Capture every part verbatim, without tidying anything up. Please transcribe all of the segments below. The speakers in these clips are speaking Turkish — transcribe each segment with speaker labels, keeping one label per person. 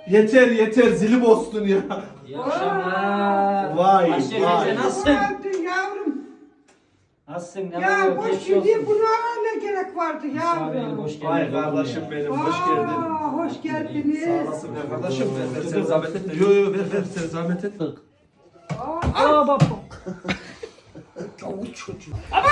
Speaker 1: Yeter yeter zili bostun ya.
Speaker 2: İyi akşamlar.
Speaker 1: Vay,
Speaker 2: Ayşe
Speaker 1: vay.
Speaker 2: teyze nasılsın?
Speaker 3: Nasılsın yavrum?
Speaker 2: Nasılsın? Ne
Speaker 3: Ya
Speaker 2: oluyor?
Speaker 3: boş
Speaker 2: Geçmiş
Speaker 3: gidiyor
Speaker 2: olsun.
Speaker 3: buna ne gerek vardı
Speaker 2: Misafirin
Speaker 3: yavrum?
Speaker 2: hoş geldin.
Speaker 1: Vay kardeşim benim hoş geldin.
Speaker 3: Aa, hoş geldiniz.
Speaker 1: Sağ olasın ya kardeşim ver ver sen zahmet etme. Yo yo ver ver sen zahmet etme.
Speaker 3: Aa,
Speaker 2: Aa bak.
Speaker 1: Avuç çocuğu.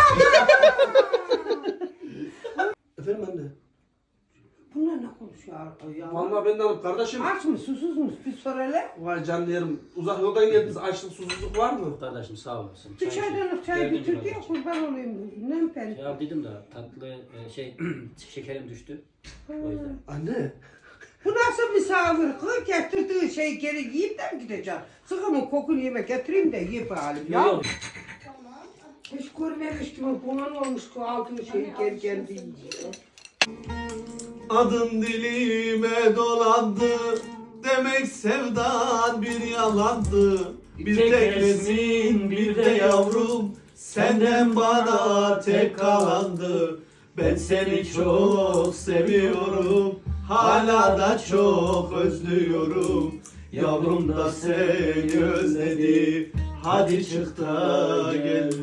Speaker 1: Efendim anne.
Speaker 3: bunlar ne konuşuyor ya?
Speaker 1: Vallahi ben de hanım kardeşim.
Speaker 3: Aç mı susuz mu? Bir sor hele.
Speaker 1: Vay canlı yerim. Uzak yoldan geldiniz. Açlık susuzluk var mı?
Speaker 2: Kardeşim sağ olasın.
Speaker 3: Bir çaydanlık çay
Speaker 2: Geldim
Speaker 3: getirdi ya
Speaker 2: kardeşim.
Speaker 3: kurban olayım. Ne ben?
Speaker 2: Ya dedim de tatlı e, şey şekerim düştü. O yüzden.
Speaker 1: Anne.
Speaker 3: Bu nasıl misafir? Kız getirdiği şey geri yiyip de mi gideceğim? Sıkımın kokunu yemek getireyim de ye bari. Ya
Speaker 2: Yok.
Speaker 3: hiç görmemiş gibi bunun olmuş ki aldığı şeyi geri kendi yiyor.
Speaker 1: Adın dilime dolandı. Demek sevdan bir yalandı. Bir tek resim bir de yavrum. Senden bana tek kalandı. Ben seni çok seviyorum. Hala da çok özlüyorum. Yavrum da seni özledi. Hadi çık da gel.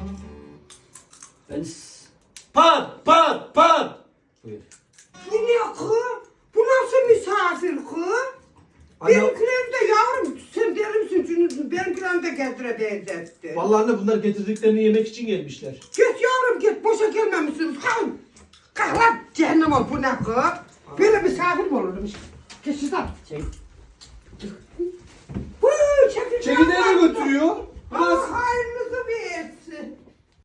Speaker 2: Ben s-
Speaker 1: Pat pat pat.
Speaker 2: Buyur.
Speaker 3: Bu ne kız? Bu nasıl misafir kız?
Speaker 1: Anne-
Speaker 3: Benimkiler de yavrum sen deli misin? Çünkü benimkiler de getire benzetti.
Speaker 1: Vallahi anne bunlar getirdiklerini yemek için gelmişler.
Speaker 3: Git yavrum git boşa gelmemişsiniz. Kalın. Kalk lan cehennem ol bu ne kız? Böyle misafir mi olurmuş? Geç şuradan.
Speaker 2: Çek.
Speaker 3: Hıı çekil.
Speaker 1: Çekirdeği de götürüyor.
Speaker 3: Allah hayırlısı